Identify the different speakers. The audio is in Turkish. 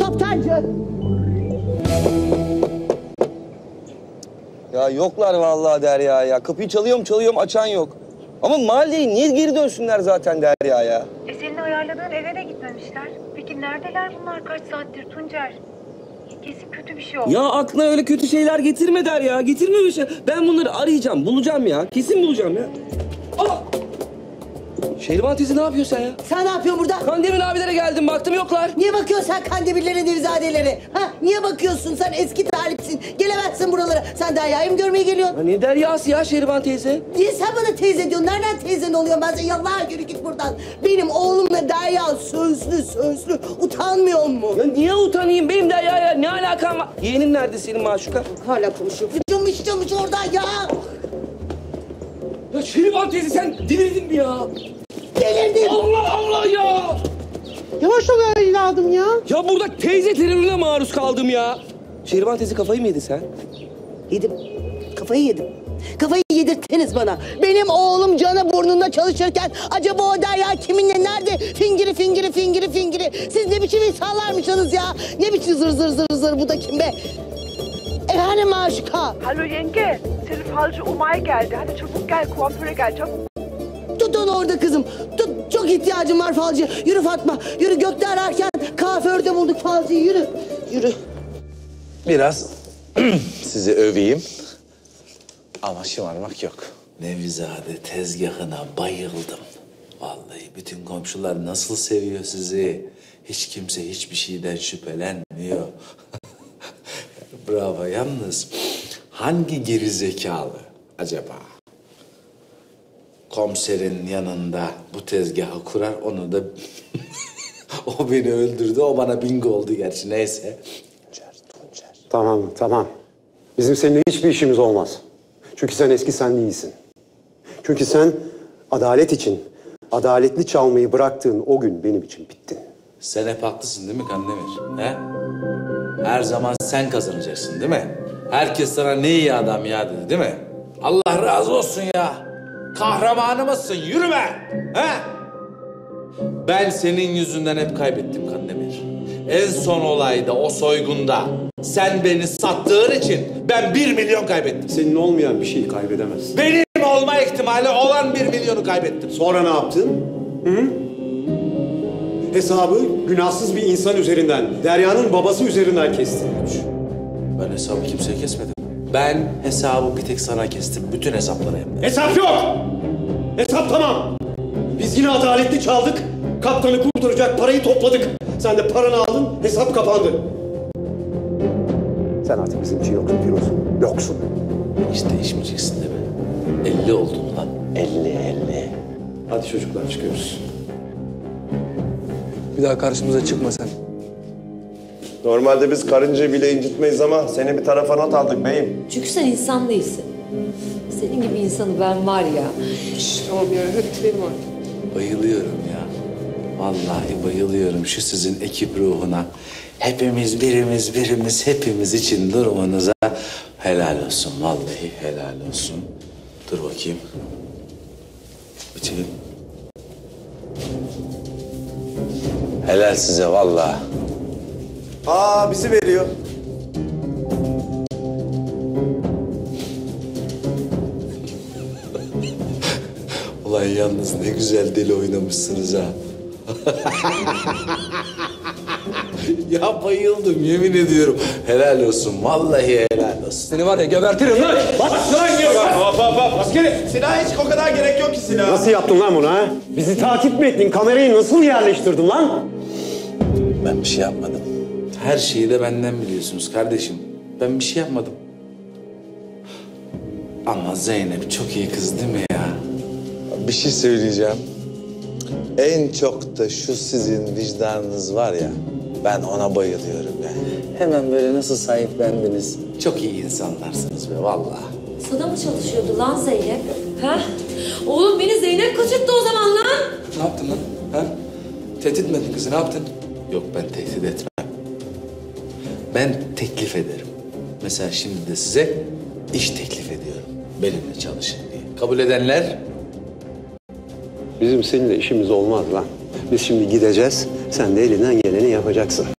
Speaker 1: Toptancı!
Speaker 2: Ya yoklar vallahi Derya ya. Kapıyı çalıyorum açan yok. Ama mahalleye niye geri dönsünler zaten Derya ya?
Speaker 3: Senin ayarladığın eve de gitmemişler. Peki neredeler bunlar kaç saattir Tuncer? Kesin kötü bir şey oldu.
Speaker 2: Ya aklına öyle kötü şeyler getirme Derya. Getirme öyle şey. Ben bunları arayacağım, bulacağım ya. Kesin bulacağım ya. Aa! Şehriban teyze ne yapıyorsun sen ya?
Speaker 1: Sen ne yapıyorsun burada?
Speaker 2: Kandemir abilere geldim baktım yoklar.
Speaker 1: Niye bakıyorsun sen Kandemirlere, Nevizadelere? Ha? Niye bakıyorsun? Sen eski talipsin. Gelemezsin buralara. Sen Derya'yı mı görmeye geliyorsun?
Speaker 2: Ya ne Derya'sı ya Şehriban teyze?
Speaker 1: Niye sen bana teyze diyorsun? Nereden teyzen oluyor? Ben sana yallah yürü git buradan. Benim oğlumla Derya sözlü. Utanmıyor mu?
Speaker 2: Ya niye utanayım? Benim Derya'ya ne alakam var? Yeğenin nerede senin Maşuka?
Speaker 1: Hala konuşuyor. Fıçılmış orada ya.
Speaker 2: Ya Şehriban teyze sen delirdin mi ya?
Speaker 1: Delirdim.
Speaker 2: Allah ya!
Speaker 1: Yavaş ol evladım ya.
Speaker 2: Ya burada teyze terörüne maruz kaldım ya. Şehriban teyze kafayı mı yedin sen?
Speaker 1: Yedim. Kafayı yedim. Kafayı yedirttiniz bana. Benim oğlum canı burnunda çalışırken acaba o Derya kiminle nerede? Fingiri. Siz ne biçim insanlarmışsınız ya? Ne biçim zır bu da kim be? Efendim Maşuka.
Speaker 4: Hallo Yenge, senin falcı Umay geldi. Hadi çabuk gel, kuaföre gel çabuk.
Speaker 1: Tut onu orada kızım. Tut, çok ihtiyacım var falcı. Yürü Fatma. Yürü gökte ararken kuaförde bulduk falcıyı. Yürü.
Speaker 5: Biraz sizi öveyim ama şımarmak yok. Nevizade tezgahına bayıldım. Vallahi bütün komşular nasıl seviyor sizi. Hiç kimse hiçbir şeyden şüphelenmiyor. Bravo. Yalnız hangi gerizekalı acaba komiserin yanında bu tezgahı kurar, onu da o beni öldürdü, o bana bingo oldu gerçi, neyse.
Speaker 6: Tuncer. Tamam. Bizim seninle hiçbir işimiz olmaz. Çünkü sen eski sen değilsin. Çünkü sen adalet için adaletli çalmayı bıraktığın o gün benim için bittin.
Speaker 5: Sen hep haklısın değil mi Kandemir? He? Her zaman sen kazanacaksın değil mi? Herkes sana ne iyi adam ya dedi değil mi? Allah razı olsun ya. Kahramanımızsın, yürü be! He? Ben senin yüzünden hep kaybettim Kandemir. En son olayda, o soygunda sen beni sattığın için ben 1 milyon kaybettim.
Speaker 6: Senin olmayan bir şeyi kaybedemezsin.
Speaker 5: Benim olma ihtimali olan 1 milyonu kaybettim.
Speaker 6: Sonra ne yaptın? Hı? Hesabı günahsız bir insan üzerinden, Derya'nın babası üzerinden kestin.
Speaker 5: Ben hesabı kimseye kesmedim. Ben hesabı bir tek sana kestim. Bütün hesapları hem de.
Speaker 6: Hesap yok! Hesap tamam. Biz yine adaletli çaldık. Kaptanı kurtaracak parayı topladık. Sen de paranı aldın, hesap kapandı. Sen artık bizim için yoksun Firuz. Yoksun.
Speaker 5: Hiç değişmeyeceksin değil mi? 50 oldun lan. 50.
Speaker 6: Hadi çocuklar çıkıyoruz.
Speaker 2: Bir daha karşımıza çıkma sen.
Speaker 7: Normalde biz karıncayı bile incitmeyiz ama seni bir tarafa not aldık beyim.
Speaker 8: Çünkü sen insan değilsin. Senin gibi insanı ben var ya.
Speaker 4: Tamam ya, hadi gidelim artık.
Speaker 5: Bayılıyorum ya. Vallahi bayılıyorum şu sizin ekip ruhuna. Hepimiz birimiz hepimiz için durumunuza helal olsun. Vallahi helal olsun. Dur bakayım. Bitirin. Helal size vallahi.
Speaker 7: Aa bizi veriyor.
Speaker 5: Ulan yalnız ne güzel deli oynamışsınız ha. Ya bayıldım yemin ediyorum. Helal olsun vallahi helal olsun.
Speaker 2: Seni var ya gebertirim lan.
Speaker 7: Askeri silah hiç o kadar gerek yok ki silah.
Speaker 6: Nasıl yaptın lan bunu ha? Bizi takip mi ettin? Kamerayı nasıl yerleştirdin lan?
Speaker 5: Ben bir şey yapmadım. Her şeyi de benden biliyorsunuz kardeşim. Ben bir şey yapmadım. Ama Zeynep çok iyi kız değil mi ya?
Speaker 9: Bir şey söyleyeceğim. En çok da şu sizin vicdanınız var ya, ben ona bayılıyorum ya.
Speaker 5: Hemen böyle nasıl sahiplendiniz? Çok iyi insanlarsınız be vallahi.
Speaker 8: Sana mı çalışıyordu lan Zeynep? Ha? Oğlum beni Zeynep kaçırttı o zaman lan.
Speaker 2: Ne yaptın lan? Ha? Tehdit mi ettin kızı? Ne yaptın?
Speaker 5: Yok ben tehdit etmem. Ben teklif ederim. Mesela şimdi de size iş teklif ediyorum. Benimle çalışın diye. Kabul edenler?
Speaker 6: Bizim seninle işimiz olmaz lan. Biz şimdi gideceğiz. Sen de elinden geleni yapacaksın.